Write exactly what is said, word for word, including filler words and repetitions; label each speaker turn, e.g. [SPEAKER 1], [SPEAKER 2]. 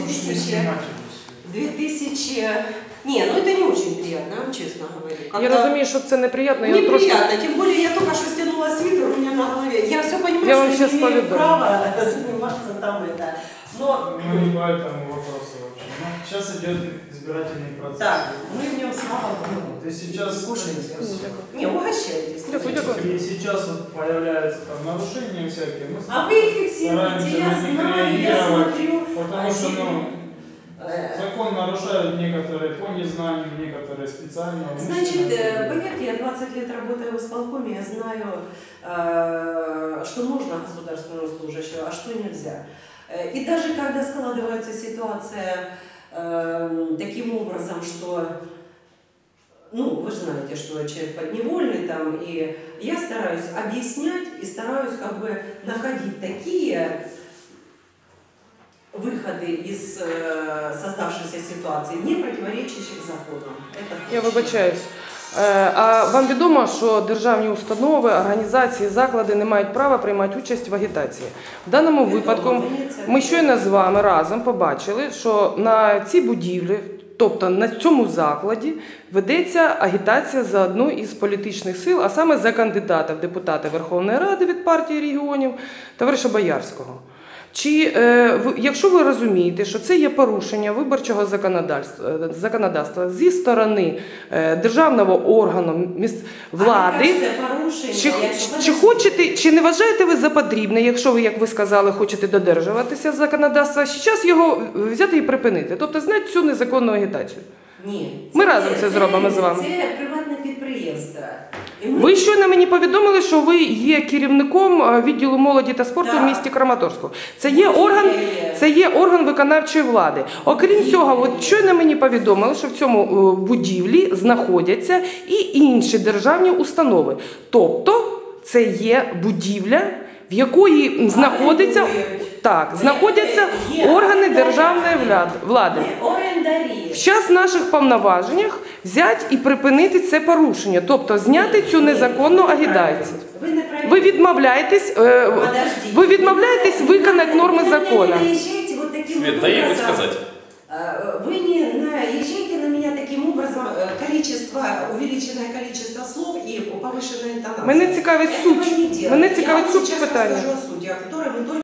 [SPEAKER 1] тысячи... две тысячи... Не, ну это не очень приятно, я вам честно говорю.
[SPEAKER 2] Я разумею, что это неприятно.
[SPEAKER 1] Неприятно, трошки... тем более я только что стянула свитер у меня на голове. Я все понимаю, я что я не имею права заниматься там это. Но...
[SPEAKER 3] Мы не по этому вопросу вообще. Но сейчас идет избирательный процесс.
[SPEAKER 1] Так, мы в нем слава Богу.
[SPEAKER 3] Ты сейчас...
[SPEAKER 1] Кушаете. Не, угощайтесь.
[SPEAKER 3] И сейчас вот появляются там нарушения всякие. Мы
[SPEAKER 1] а вы их фиксируете, я знаю, я смотрю.
[SPEAKER 3] Потому что, ну, закон нарушают некоторые по незнанию, некоторые специально.
[SPEAKER 1] Значит, поверьте, я двадцать лет работаю в исполкоме, я знаю, что нужно государственному служащему, а что нельзя. И даже когда складывается ситуация таким образом, что, ну, вы же знаете, что человек подневольный там, и я стараюсь объяснять и стараюсь как бы находить такие выходы из э, создавшейся ситуации, не противоречащих законам.
[SPEAKER 2] Я вибачаюсь. А вам відомо, що державні установи, організації, заклади не мають права приймати участь в агітації? В даному випадку ми щойно з вами разом побачили, що на цій будівлі, тобто на цьому закладі, ведеться агітація за одну із політичних сил, а саме за кандидата в депутати Верховної Ради від партії регіонів, товариша Боярського. Чи, е, якщо ви розумієте, що це є порушення виборчого законодавства, законодавства зі сторони е, державного органу міст, влади, чи, чи, хочете, чи не вважаєте ви за потрібне, якщо ви, як ви сказали, хочете додержуватися законодавства, зараз його взяти і припинити, тобто зняти цю незаконну агітацію?
[SPEAKER 1] Ні.
[SPEAKER 2] Ми це, разом це, це зробимо з вами.
[SPEAKER 1] Це приватне підприємство.
[SPEAKER 2] Ми... Ви щойно мені повідомили, що ви є керівником відділу молоді та спорту так. в місті Краматорську. Це є, орган, це є орган виконавчої влади. Окрім цього, от щойно мені повідомили, що в цьому будівлі знаходяться і інші державні установи. Тобто це є будівля, в якої знаходиться, так, знаходяться органи державної влади. В час наших повноваженнях взяти і припинити це порушення, тобто зняти цю незаконну агітацію. Ви відмовляєтесь, ви відмовляєтесь виконати норми закону.
[SPEAKER 4] Свет, дай ей сказать.
[SPEAKER 1] Вы не наезжайте на меня таким образом, количество, увеличенное количество слов и повышенная интонация.
[SPEAKER 2] Мене цікавить суть. Мене цікавить суть питання.